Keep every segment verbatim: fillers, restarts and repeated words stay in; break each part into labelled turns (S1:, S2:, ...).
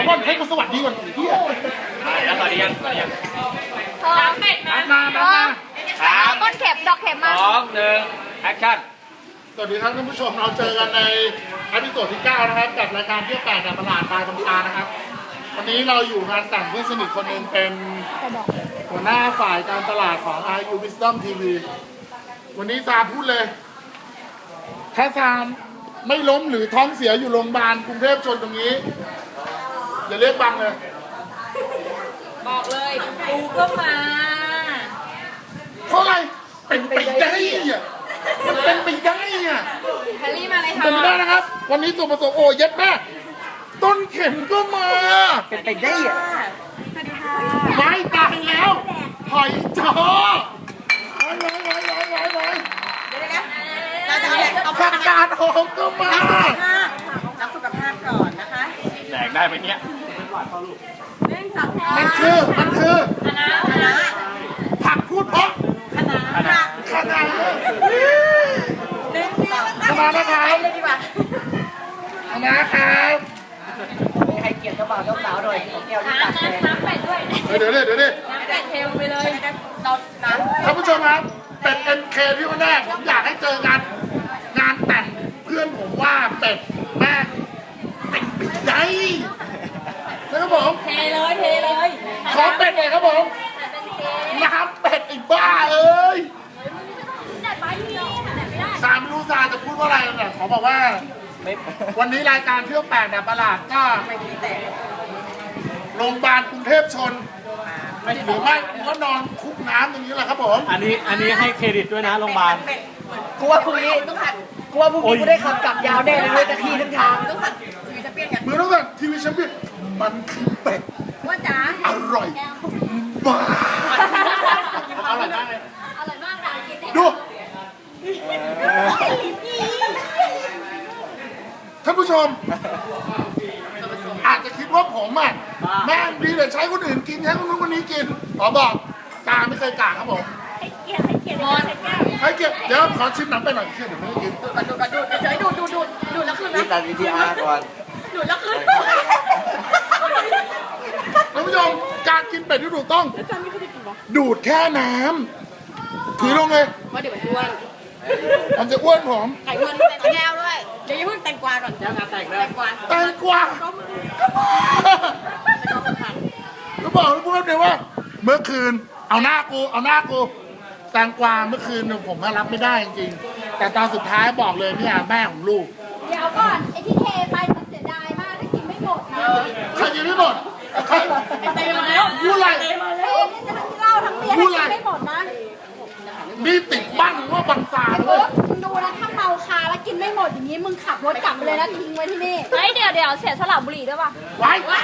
S1: ดี๋ยวก่อนให้กูสวัสดีก่อนเฮีย
S2: แล้วสวัสดีกันสวัสดีกัน
S3: น้ำเป็ด
S1: มามามามา
S2: สาม
S3: ต้นเข็มดอกเข็มมา
S2: สองหนึ่งแอคชั่น
S1: สวัสดีครับท่านผู้ชมเราเจอกันในอพิโซดที่เก้านะครับกับรายการเที่ยวแปลกจากตลาดปลายคำตานะครับวันนี้เราอยู่งานแต่งเพื่อนสนิทคนหนึ่งเป็นหัวหน้าฝ่ายการตลาดของ อาร์ ยู Wisdom ที วี วันนี้ซาพูดเลยถ้าซามไม่ล้มหรือท้องเสียอยู่โรงพยาบาลกรุงเทพชนตรงนี้อย่าเรียกบังเลย
S3: บอกเลยกูก็มา
S1: เพราะอะไรเป็นไปได้อะมันเป็นไปได้อะ
S3: แฮร์รี่มาเลยค่ะ
S1: เป็นไปได้นะครับ วันนี้ตัวผสมโอ้เย็ดแม่ต้นเข็มก็มา
S4: เป็นไปได้อะ
S3: สวัสดีค่ะ
S1: ไม่ตายแล้วหอยจอร้อยร้อยร้อยร้อยร้อยร้อย
S4: เราจะเอา
S1: ผักกาดหอมก็มา
S4: รักสุขภาพก่อนนะคะ
S2: แดกได้ไหมเนี่ย
S3: เล่นสักแท้
S1: มันคือมันคือ
S3: คณะคณะ
S1: ผักพูดเพราะ
S4: คณะ
S1: ขนาด
S4: เล่นต่อ
S1: ขนาดนะครับ
S4: เลยดีกว่า
S1: ขนาดครับ
S4: มีใครเกลียดเจ้าบ่าวเจ้าสาวหน่อยของแก้วที่
S3: น้ำ
S4: ตักแดง
S3: น้ำเป็ดด้วย
S1: เดี๋ยวเดี๋ยวเดี๋ยวเดี๋ยว
S3: น้ำเป็ดเทลงไปเลย
S4: เราน้
S1: ท่านผู้ชมครับเป็ด เอ็น เค ที่วันแรกผมอยากให้เจอกันงานแต่งเพื่อนผมว่าเป็ดแม่เป็นไปได้นะครับผม
S3: เทเลยเทเลย
S1: ขอเป็ดหน่อยครับผมน้ำเป็ดอีกบ้าเอ้ย
S3: แต่ไปที่นี่แต่ไม่ได้
S1: สามไม่รู้ซาจะพูดว่าอะไรเนี่ยขอบอกว่า
S4: ำไม่
S1: วันนี้รายการเที่ยวแปลกแบบประหลาดก็
S4: ไม่ดีแต่
S1: โรงพยาบาลกรุงเทพชนหรือไม่ก็นอนคุกน้ำอย่างนี้แหละครับผม
S5: อันนี้อันนี้ให้เครดิตด้วยนะโรงพยาบาล
S4: กูว่าพรุ่งนี้ต้องสั่นกูว่าพรุ่งนี้กูได้ขับกลับยาวแน่เลยจะขี่ทั้งทางต้องสั่นทีวีจะเปลี่ยนกัน
S1: มือต้องสั่นทีวีแชมเปี้ยนมันคือเป็ด
S3: ว่าจ๋า
S1: อร่อยมาก
S2: อร่อยมากเลย
S3: อร่อยมากด่ากิน
S1: ดูท่านผู้ชม อาจจะคิดว่าผมอ่ะแม่งดีแต่ใช้คนอื่นกินใช้คนนู้นคนนี้กินขอบอกกาไม่เคยกาครับผม
S3: ให้เกียรติให้เกียรติมอน
S1: ให้เก็บเดี๋ยวขอชิมหนังไปหน่อยเชื่อเดี๋ยวไม่ได้กิน
S4: ดูดดูดดูดเฉยดูดดูดดูดดูดแล้วคืนนะ
S5: นี่ตัดวิดีอาร์ก่อน
S4: ดูดแล้วคืน
S1: ท่านผู้ชมการกินเป็ดที่ถูกต้อง ดูดแค่น้ำถือลงเลย
S4: ว่าเดี๋ยวมันอ้วน
S1: มันจะอ้วนผม
S4: ไข่มันแต่แก้วด้วยเดี๋ยวอย่าเพิ่งแตงกวาก่อนแตงแตงแตงกวา
S1: แตงกวาก็บอกให้พูดเลยว่า เมื่อคืนเอาหน้ากูเอาหน้ากูแตงกวาเมื่อคืนผมรับไม่ได้จริงๆแต่ตอนสุดท้ายบอกเลยเนี่ยแม่ของลูก
S3: เดี๋ยวก่อนไอ้ที่เทไปมันเสียดายมากถ้ากินไม่หมดนะ
S1: ใครกินไม่หมดใคร
S4: เต็มมาแล้ว
S1: พูดอะไร
S3: เฮ้ยนี่จะทั้งที่เหล้าทั้งเบียร์ให้กินไม่หมดนะ
S1: นี่ติดบ้านว่าบังซา
S3: ไอ้
S1: เล
S3: โบ๊
S1: ย
S3: ทมึงดูนะถ้าเมาคาแล้วกินไม่หมดอย่างนี้มึงขับรถกลับไปเลยนะทิ้งไว้ที่นี่เฮ้ยเดี๋ยวเดี๋ยวเสียสลับบุหรี่ด้วยป่ะ
S1: ไว้ไว้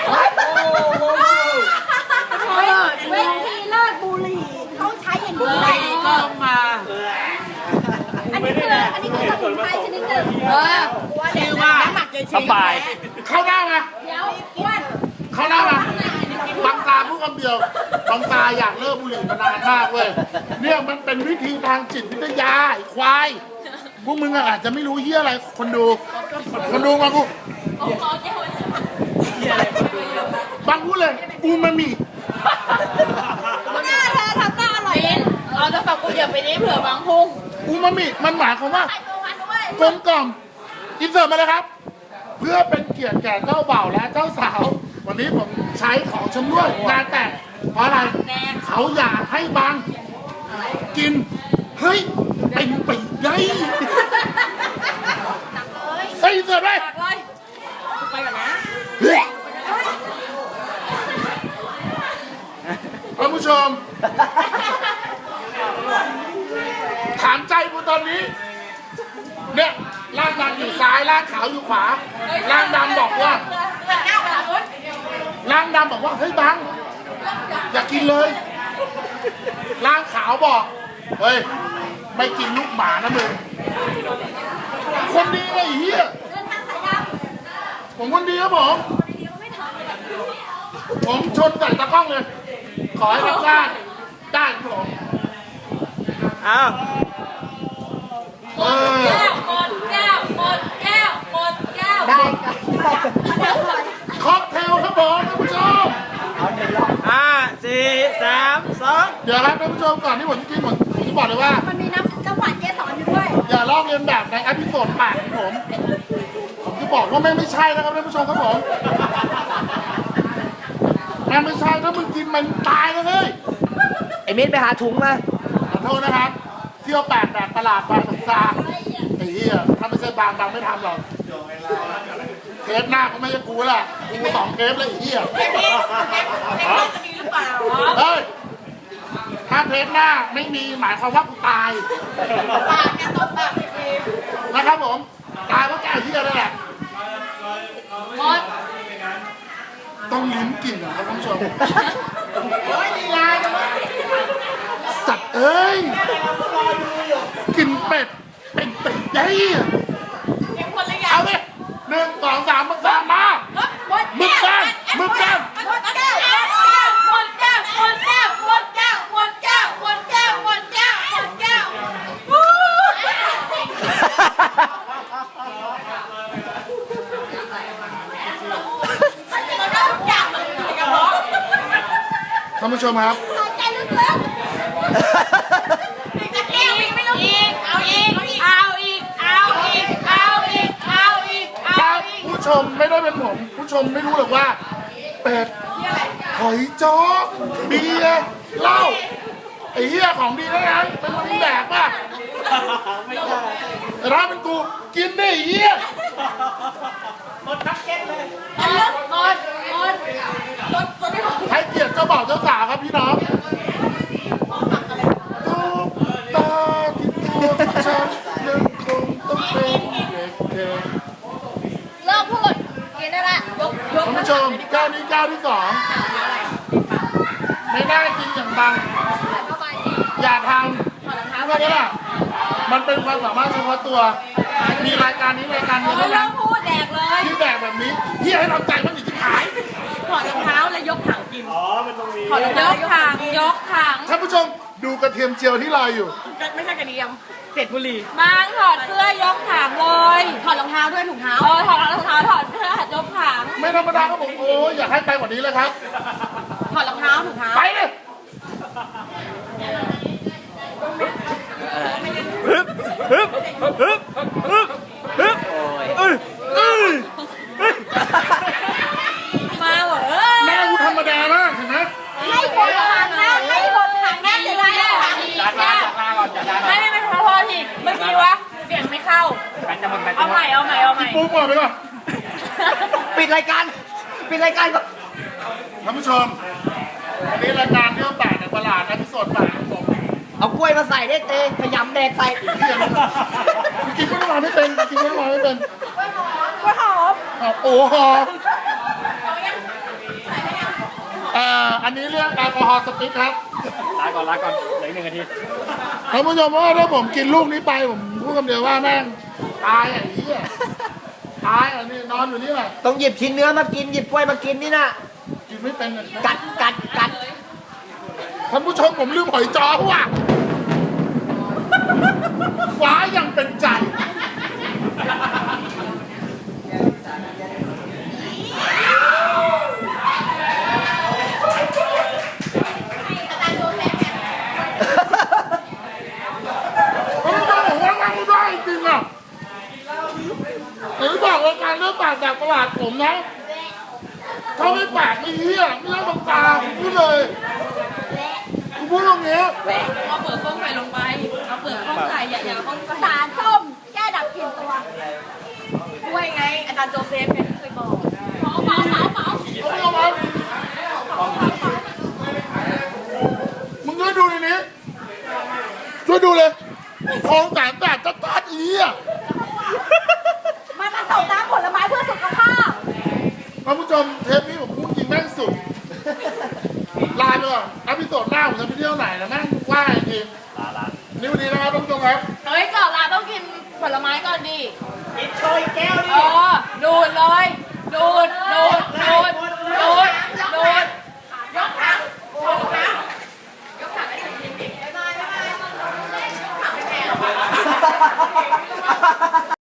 S3: เฮ้ยเวทีเลิกบุหรี่เขาใช้อย่างนี้แหละ
S4: ก็มา
S3: อันนี้คืออันนี้คือสมุนไพรชนิดหนึ่งเออ
S4: ชื่อว่าน้ำหมักเจชี
S5: สบาย
S1: เข้าหน้ามา
S3: เดี๋ยวอ้วน
S1: เข้าหน้ามาบังซาพูดคำเดียวบังซาอยากเลิกบุหรี่มานานมากเว้ยเนี่ยมันเป็นวิธีทางจิตวิทยาไอ้ควายพวกมึงอะอาจจะไม่รู้เฮียอะไรคนดู คนดูมากู
S3: โอ้โหเจ้าเลย
S1: บางพูดเลยอูมามิ
S3: หน้าเธอทำหน้าอร่อยเลยเอาจะฝากกูอย่าไปนี้เผื่อบางพุ่ง
S1: อูมามิมันหมายความว่า
S3: ใส่ตัวมันด้วย
S1: กลมกล่อมอินเสิร์ตมาเลยครับ เพื่อเป็นเกียรติแก่เจ้าบ่าวและเจ้าสาว วันนี้ผมใช้ของชำร่วยงานแต่งเพราะอะไรเขาอยากให้บางกินเฮ้ยเป็นไปได้ใส่อินเสิร์ตไว้
S3: ตักเลย
S4: ไปก่อนนะ
S1: ท่านผู้ชม ถามใจกูตอนนี้ เนี่ยร่างดำอยู่ซ้ายร่างขาวอยู่ขวาร่างดำบอกว่าร่างดำบอกว่าเฮ้ยบังอย่ากินเลยร่างขาวบอกเฮ้ยไม่กินลูกหมานะมึงคนดีไอ้เหี้ย
S3: เดินทางสายด
S1: ผมคนดีครับผม
S3: ำดีๆก็ไม่ทำเลย
S1: ผมชนใส่ตะกล้องเลย ขอให้ทำได้ได้ครับผม
S5: อ้าว
S1: เออ
S3: แก้วหมดแก้วหมดแก้วหมดแก้ว
S4: ได้
S1: ค็อกเทลครับผมเดี๋ยวครับท่านผู้ชมก่อนที่ผมจะกินผมผมจะบอกเลยว่า
S3: มันมีน้ำน้ำหวานเกสรอยู่ด้วย
S1: อย่าลอกเลียนแบบในอพิโซดแปดของผม ผมจะบอกว่าแม่งไม่ใช่นะครับท่านผู้ชมครับผมแม่งไม่ใช่ถ้ามึงกินมันตายเลย
S4: ไอ้มิ้นไปหาถุงมา
S1: ขอโทษนะครับ เที่ยวแปดแบบตลาดบางสงสารไอ้เหี้ยถ้าไม่ใช่บางบางไม่ทำหรอกเทปหน้าก็ไม่ใช่กูแหละกูสองเทปเลยไอ้เหี้ยเฮ้ยถ้าเทปหน้าไม่มีหมายความว่ากูตายนะครับผมตายเพราะแกเหี้ยนั่นแหละต้องลิ้มกลิ่นนะครับท่านผู้ชมสัตว์เอ้ยกลิ่นเป็ดเป็ดเป็ดยัยเอาดิหนึ่งสองสามมึงสามมามึงกันมึงกันท่านผู้ชมครับ
S3: หายใจลึกๆเอาอีก เอาอีก เอาอีก เอาอีก เอาอีก เอาอีก
S1: ครับผู้ชมไม่ได้เป็นผม ผู้ชมไม่รู้หรอกว่า เป็ดหอยจ้อเบียร์เหล้าไอ้เหี้ยของดีทั้งนั้นเป็นมึงแดกป่ะแต่ถ้าเป็นกูกินได้ไอ้เหี้ย
S3: มันลึกหมดหมดหมดหมดไม่หมด
S1: ให้เกียรติเจ้าบ่าวเจ้าสาวครับพี่น้องทุกตาที่ตัวฉันยังคงต้องเป็นเด็ก
S3: เลิกพูด กินได้ละยกย
S1: ๆ
S3: ก
S1: ท่านผู้ชมก้าวนี้ก้าวที่สองไม่ได้กินอย่างบัง
S3: เข้าไปดิ
S1: อย่าท
S3: ถอดรองเท้า
S1: ำเพราะนี่แหละมันเป็นความสามารถเฉพาะตัว มีรายการนี้รายการเดียว
S3: เลิ
S1: เท่านั้น
S3: กพูดแดกเลย
S1: ที่แดกแบบนี้ที่ให้ทำใจมันอีกที่หาย
S3: ถอดรองเท้าแล้วยกถังกิน
S5: อ๋อ มันตรงนี้
S3: ถอดรองเท้ายกถังยกถัง
S1: ท่านผู้ชมดูกระเทียมเจียวที่ลอยอยู่
S3: ไม่ใช่กระเทียม
S5: เสร็จบุหรี่
S3: มางถอดเสื้อยกถังเลย ถอดรองเท้าด้วยถุงเท้า เออถอดรองเท้าถอดเสื้อยกถัง
S1: ไม่ธรรมดาครับผมโอ้ยอยากให้ไปกว่านี้เลยครับ
S3: ถอดรองเท้าถุงเท้า
S1: ไปเลย
S5: ฮึบฮึบฮึบฮึบฮึบเอ้ยเอ้ยเอ้ย
S3: มาเหรอ
S1: แม่กูธรรมดามากเห็นไหม
S3: ให้คนถังนะให้คนถังนะเดี๋ยวเรา
S2: จัดลาจัดลาก่อนจัดลาก่อน
S3: ไม่ไม่ไม่ขอโทษทีเมื่อกี้วะเสียงไม่เข้า
S2: แบนจะหมดแบนจะ
S3: เอา
S2: หม
S3: ใหม่
S2: ด
S3: เอาใหม่เอาใหม่
S1: ปุ๊บก่อนไปก่อน
S4: ปิดรายการ ปิดรายการก่อน
S1: ท่านผู้ชมวันนี้รายการเที่ยวแปดในตลาดนะที่สดแปดของผม
S4: เอากล้วยมาใส่ได้เตะขยำแดกใส่
S1: เที่ยงกินก็ต้องมาไม่เป็นกินก็ต้องมาไม่เป็น
S3: กล้วยหอม
S1: อ่ะโอ้โหอ่าอันนี้เรื่องแอลกอฮอล์สติ๊กครับ
S2: ลาก่อนลาก่อนเหลืออีกหนึ่งนาที
S1: ท่านผู้ชมว่าถ้าผมกินลูกนี้ไปผมพูดคำเดียวว่าแม่งตายอ่ะไอ้เหี้ยตายอ่ะนี่นอนอยู่นี่แหละ
S4: ต้องหยิบชิ้นเนื้อมากิน หยิบกล้วยมากินนี่นะ
S1: กินไม่เป็นอ่ะ
S4: กัดกัดกัด
S1: ท่านผู้ชมผมลืมหอยจ้อว่ะฟ้ายังเป็นใจท่านผู้ชมผมว่าทำไม่ได้จริงอ่ะหรือบอกรายการเรื่องปากจากตลาดผมนะถ้าไม่ปากไม่เหี้ยไม่ต้องบังตาผมพูดเลยผมพูดตรงนี้
S3: เอาเปลือกส้มใส่ลงไปเอาเปลือกส้มใส่อย่าอย่าเอาส้มสารส้มแก้ดับกลิ่นตัวด้วยไงอาจารย์โจเซฟเนี่ยเคยบอกเมาเมาเมาเมา
S1: เอาไปเอามามึงช่วยดูในนี้ช่วยดูเลยทองแสนแสบจะตัดอีอ่ะ
S3: มาผสมน้ำผลไม้เพื่อสุขภาพ
S1: ท่านผู้ชมเทปนี้ผมพูดจริงแม่งสุดไลน์ไปก่อนอพิโซดหน้าผมจะไปเที่ยวไหนนะแม่งว่าอีกที
S2: ลาลา
S1: นี่วันนี้นะครับท่านผู้ชมครับ
S3: เฮ้ยก่อนลาต้องกินผลไม้ก่อนดิ
S2: ก